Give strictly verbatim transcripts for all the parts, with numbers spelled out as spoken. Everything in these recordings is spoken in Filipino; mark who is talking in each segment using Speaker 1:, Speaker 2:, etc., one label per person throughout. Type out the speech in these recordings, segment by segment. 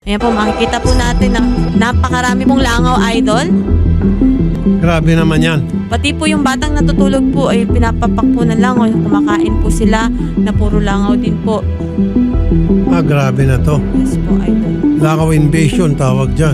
Speaker 1: Ayan po, makikita po natin na napakarami pong langaw, idol.
Speaker 2: Grabe naman yan.
Speaker 1: Pati po yung batang natutulog po ay pinapapak po ng langaw. Kumakain po sila na puro langaw din po.
Speaker 2: Ah, grabe na to.
Speaker 1: Yes po, idol.
Speaker 2: Langaw invasion tawag dyan.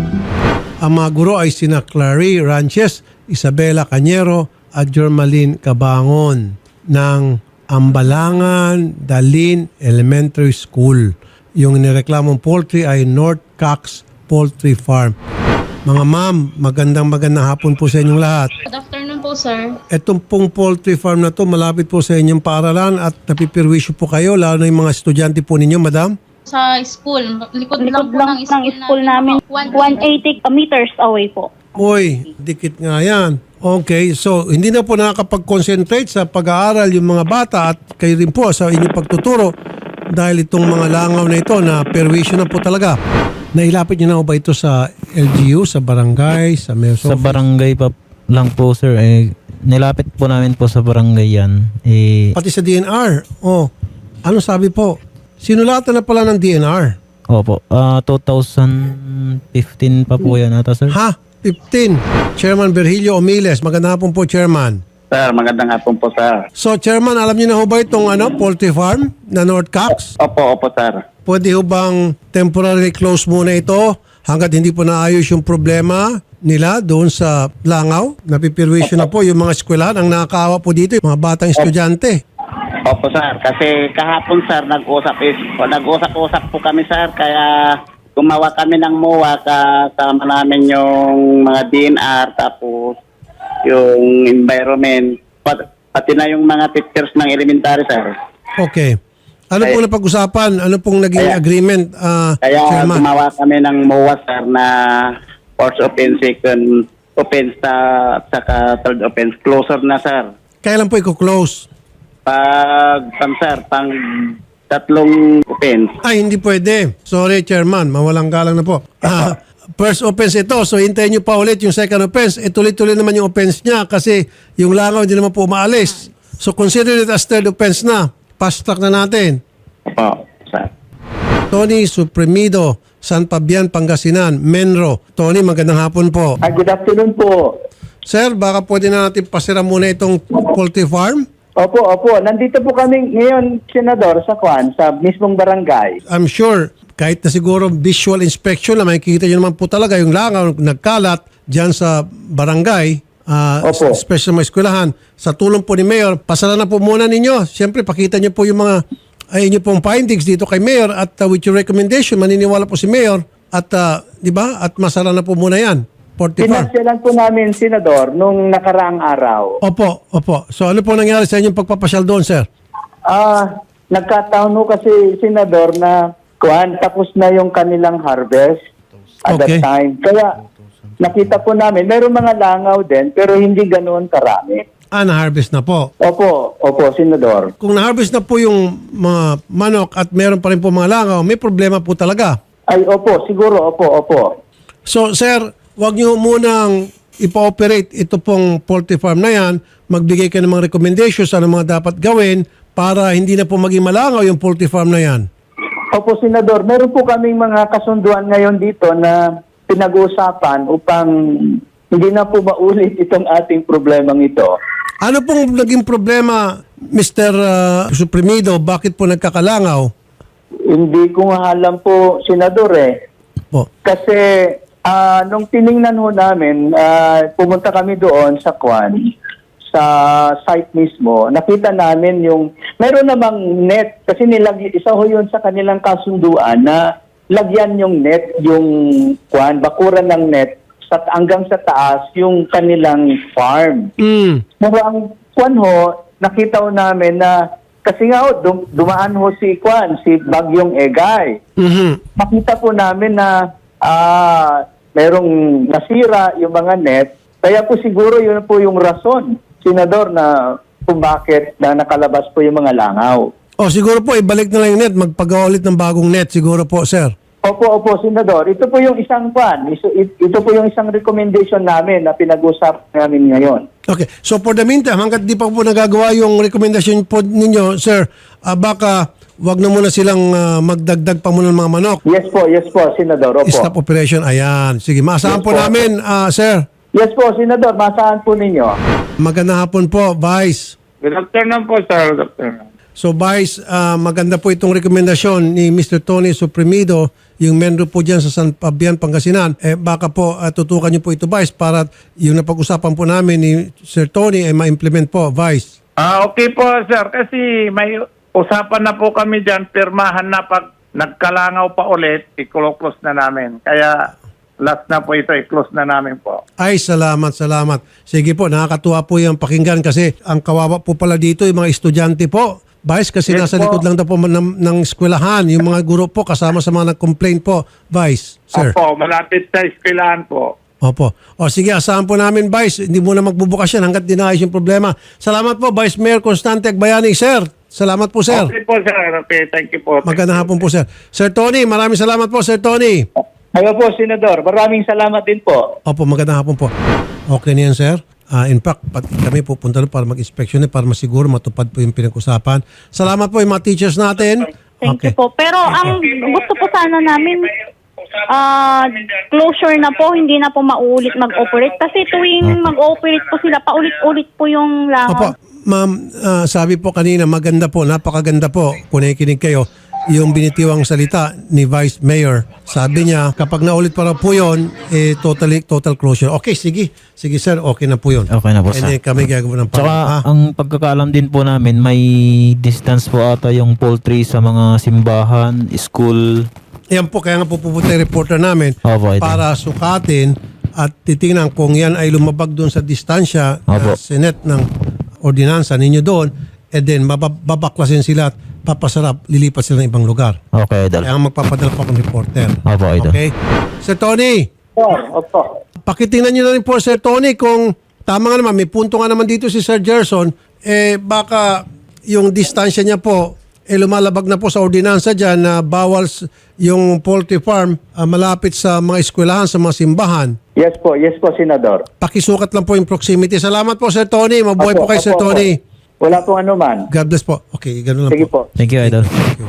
Speaker 2: Ang mga guro ay sina Clary Ranches, Isabela Cañero at Jormaline Cabangon ng Ambalangan Dalin Elementary School. Yung nireklamong poultry ay North Cox Poultry Farm. Mga ma'am, magandang magandang hapon po sa inyong lahat.
Speaker 3: Good afternoon po, sir.
Speaker 2: Itong pong poultry farm na to malapit po sa inyong paaralan at napipirwisyo po kayo, lalo na yung mga estudyante po ninyo, madam?
Speaker 3: Sa school, likod, lang
Speaker 4: Likod
Speaker 3: po
Speaker 4: lang
Speaker 3: ng
Speaker 4: ng
Speaker 3: school,
Speaker 4: school namin, one eighty meters away po.
Speaker 2: Uy, dikit nga yan. Okay, so hindi na po nakakapag-concentrate sa pag-aaral yung mga bata at kayo rin po sa inyong pagtuturo dahil itong mga langaw na ito na perwisyo na po talaga. Nailapit niyo na ba ito sa L G U, sa barangay, sa mayor's
Speaker 5: Sa
Speaker 2: office?
Speaker 5: barangay pa lang po, sir. Eh, nilapit po namin po sa barangay yan. Eh,
Speaker 2: Pati sa D N R. Oh, ano sabi po? Sinulatan na pala ng D N R.
Speaker 5: opo, ah two thousand fifteen pa po yan ata, sir.
Speaker 2: Ha? fifteen. Chairman Virgilio Omiles. Magandang hapon po, Chairman.
Speaker 6: Sir, magandang hapon po, sir.
Speaker 2: So, Chairman, alam niyo na ho ba itong ano, poultry farm na North Cox?
Speaker 6: Opo, opo, sir.
Speaker 2: Pwede ho bang temporarily close muna ito hanggat hindi po naayos yung problema nila doon sa langaw? Napipirwisyo na po yung mga eskwelahan. Ang nakakaawa po dito, yung mga batang estudyante.
Speaker 6: Opo, sir. Kasi kahapon, sir, nag-usap is, nag-usap-usap po kami, sir. Kaya gumawa kami ng M O A, kasama namin yung mga D N R, tapos yung environment, pat, pati na yung mga teachers ng elementary, sir.
Speaker 2: Okay. Ano pong napag-usapan? Ano pong naging
Speaker 6: Kaya-
Speaker 2: agreement, ah,
Speaker 6: Kaya
Speaker 2: Chairman?
Speaker 6: gumawa kami ng M O A, sir, na first offense, second offense, at saka third offense. Closer na, sir.
Speaker 2: Kailan po i-close?
Speaker 6: Pag, pang, sir, pang tatlong offense.
Speaker 2: Ay, hindi pwede. Sorry, Chairman. Mawalang galang na po. Ah, first offense ito. So, hintayin nyo pa ulit yung second offense. E, tuloy-tuloy naman yung offense niya kasi yung langaw hindi naman po umaalis. So, consider it as third offense na. Fast track na natin.
Speaker 6: Opo, sir.
Speaker 2: Tony Supremido, San Fabian, Pangasinan, Menro. Tony, magandang hapon po.
Speaker 7: Ah, good afternoon po.
Speaker 2: Sir, baka pwede na natin pasira muna itong poultry farm?
Speaker 7: Opo, opo. Nandito po kami ngayon, Senador, sa Kwan, sa mismong barangay.
Speaker 2: I'm sure, kahit na siguro visual inspection na makikita nyo naman po talaga yung langaw nagkalat dyan sa barangay, uh,
Speaker 7: Opo.
Speaker 2: special mga eskwelahan. Sa tulong po ni Mayor, pasara na po muna ninyo. Siyempre, pakita nyo po yung mga ay inyo pong findings dito kay Mayor at uh, with your recommendation, maniniwala po si Mayor at, uh, di ba, at masara na po muna yan. forty-four.
Speaker 7: Pinasyalan po namin, Senador, nung nakaraang araw.
Speaker 2: Opo, opo. So ano po nangyari sa inyong pagpapasyal doon, sir?
Speaker 7: Ah, nagkataon ho kasi, Senador, na Kwan, tapos na yung kanilang harvest at
Speaker 2: Okay.
Speaker 7: that time. Kaya nakita po namin, mayroong mga langaw din, pero hindi ganoon karami.
Speaker 2: Ah, na-harvest na po.
Speaker 7: Opo, opo, Senador.
Speaker 2: Kung na-harvest na po yung mga manok at meron pa rin po mga langaw, may problema po talaga.
Speaker 7: Ay, opo, siguro, opo, opo.
Speaker 2: So, sir, wag niyo munang ipa-operate ito pong poultry farm na yan. Magbigay ka ng mga recommendations ano mga dapat gawin para hindi na po maging malangaw yung poultry farm na yan.
Speaker 7: Opo, Senador. Meron po kaming mga kasunduan ngayon dito na pinag-uusapan upang hindi na po maulit itong ating problemang ito.
Speaker 2: Ano pong naging problema, Mister uh, Supremido? Bakit po nagkakalangaw?
Speaker 7: Hindi ko nga alam po, Senador eh.
Speaker 2: Po.
Speaker 7: Kasi ah, nung tiningnan ho namin, ah, pumunta kami doon sa Kwan, sa site mismo, nakita namin yung, meron namang net, kasi nilag, isa ho yun sa kanilang kasunduan na lagyan yung net, yung Kwan, bakuran ng net, sa, hanggang sa taas yung kanilang farm.
Speaker 2: Mm.
Speaker 7: Pero ang Kwan ho, nakita ho namin na, kasi nga ho, dum- dumaan ho si Kwan, si Bagyong Egay.
Speaker 2: Mhm.
Speaker 7: Makita po namin na ah, merong nasira yung mga net. Kaya po siguro yun po yung rason, Senador, na kung bakit na nakalabas po yung mga langaw.
Speaker 2: O siguro po, ibalik na lang yung net. Magpagawa ulit ng bagong net siguro po, sir.
Speaker 7: Opo, opo, Senador. Ito po yung isang pan. Ito, ito po yung isang recommendation namin na pinag-usap namin ngayon.
Speaker 2: Okay. So for the meantime, hanggat di pa po nagagawa yung recommendation po ninyo, sir, ah, baka wag na muna silang ah, magdagdag pa muna ng mga manok.
Speaker 7: Yes po, yes po, Senador. Opo.
Speaker 2: Stop operation. Ayan. Sige, maasahan
Speaker 7: Yes
Speaker 2: po
Speaker 7: po.
Speaker 2: namin, ah, sir.
Speaker 7: Yes po, Senador. Masahan po ninyo.
Speaker 2: Magandang hapon po, Vice.
Speaker 8: Good afternoon po, sir. Good afternoon.
Speaker 2: So Vice, ah, maganda po itong rekomendasyon ni Mister Tony Suprimido, yung menro po dyan sa San Fabian, Pangasinan. Eh, baka po ah, tutukan niyo po ito, Vice, para yung napag-usapan po namin ni Sir Tony ay ma-implement po, Vice.
Speaker 8: Ah, okay po, sir. Kasi may usapan na po kami dyan. Pirmahan na pag nagkalangaw pa ulit, i-close na namin. Kaya last na po ito, i-close na namin po.
Speaker 2: Ay, salamat, salamat. Sige po, nakakatuwa po yung pakinggan kasi ang kawawa po pala dito yung mga estudyante po. Vice, kasi
Speaker 8: Yes
Speaker 2: nasa
Speaker 8: po.
Speaker 2: likod lang daw po ng, ng eskwelahan. Yung mga guro po kasama sa mga nag-complain po, Vice, sir.
Speaker 8: Opo, malapit sa eskwelahan po.
Speaker 2: Opo. O sige, asahan po namin, Vice. Hindi muna magbubukas yan hanggat dinayos yung problema. Salamat po, Vice Mayor Constante Agbayani, sir. Salamat po, sir.
Speaker 8: Okay po, sir. Okay, thank you po.
Speaker 2: Magandang hapon po, sir. Sir Tony, maraming salamat po, Sir Tony.
Speaker 7: Ayo po, Senador. Maraming salamat din po.
Speaker 2: Opo, magandang hapon po. Okay na yan, sir. Ah, in fact, pati kami pupunta doon para mag-inspection eh, para masiguro matupad po yung pinag-usapan. Salamat po yung mga teachers natin.
Speaker 4: Thank
Speaker 2: Okay.
Speaker 4: you po. Pero ang gusto po sana namin, ah closure na po, hindi na po mauulit mag-operate. Kasi tuwing mag-operate po sila, paulit-ulit po yung
Speaker 2: Opo,
Speaker 4: langaw.
Speaker 2: ma'am, ah, sabi po kanina, maganda po, napakaganda po, kung nakikinig kayo, yung binitiwang salita ni Vice Mayor. Sabi niya, kapag naulit pa raw po yun, eh, totally, total closure. Okay, sige. Sige, sir, okay na po yun.
Speaker 5: Okay na po,
Speaker 2: And
Speaker 5: sir.
Speaker 2: then kami gagawa ng
Speaker 5: Tsaka
Speaker 2: parang, ah,
Speaker 5: ang pagkakaalam din po namin, may distance po ata yung poultry sa mga simbahan, school.
Speaker 2: yan po, kaya nga po pupunta yung reporter namin
Speaker 5: Opo, ito.
Speaker 2: para sukatin at titingnan kung yan ay lumabag doon sa distansya na
Speaker 5: Opo.
Speaker 2: sinet ng ordinansa ninyo doon, and then mabab- babaklasin sila at papasarap, lilipat sila ng ibang lugar.
Speaker 5: Okay, idol.
Speaker 2: Kaya nga magpapadala pa akong reporter.
Speaker 5: Opo, idol.
Speaker 2: Okay? Sir Tony,
Speaker 7: Opo.
Speaker 2: pakitingnan nyo na rin po, Sir Tony, kung tama nga naman, may punto nga naman dito si Sir Gerson, eh baka yung distansya niya po, eh lumalabag na po sa ordinansa dyan na bawal s- yung poultry farm ah, malapit sa mga eskwelahan, sa mga simbahan.
Speaker 7: Yes po, yes po, Senador.
Speaker 2: Pakisukat lang po yung proximity. Salamat po, Sir Tony. Mabuhay po
Speaker 7: Opo,
Speaker 2: kayo, Sir
Speaker 7: opo,
Speaker 2: Tony.
Speaker 7: opo. Wala pong anuman.
Speaker 2: God bless po. Okay, gano'n lang
Speaker 7: Sige
Speaker 2: po.
Speaker 7: po.
Speaker 5: Thank you, idol.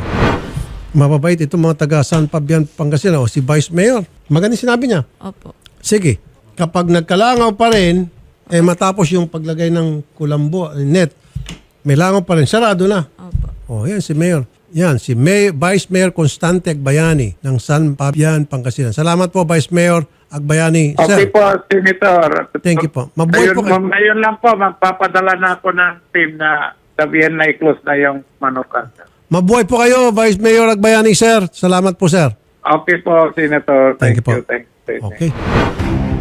Speaker 2: Mababait itong mga taga San Fabian, Pangasinan, o si Vice Mayor. Maganda sinabi niya.
Speaker 1: Opo.
Speaker 2: Sige, kapag nagkalangaw pa rin, eh matapos yung paglagay ng kulambo, net, may langaw pa rin, sarado na.
Speaker 1: Opo.
Speaker 2: Oh, yan si Mayor. Yan, si May, Vice Mayor Constante Agbayani ng San Fabian, Pangasinan. Salamat po, Vice Mayor Agbayani.
Speaker 8: Okay
Speaker 2: Sir,
Speaker 8: po, Senator.
Speaker 2: Thank you po. Mabuhay
Speaker 8: Ngayon,
Speaker 2: po kayo.
Speaker 8: ngayon lang po, magpapadala na ako ng team na sabihin na i-close na yung manukan.
Speaker 2: mabuhay po kayo, Vice Mayor Agbayani, sir. Salamat po, sir.
Speaker 8: Okay po, Senator.
Speaker 2: Thank you
Speaker 8: Thank,
Speaker 2: po.
Speaker 8: you. Thank you.
Speaker 2: Okay.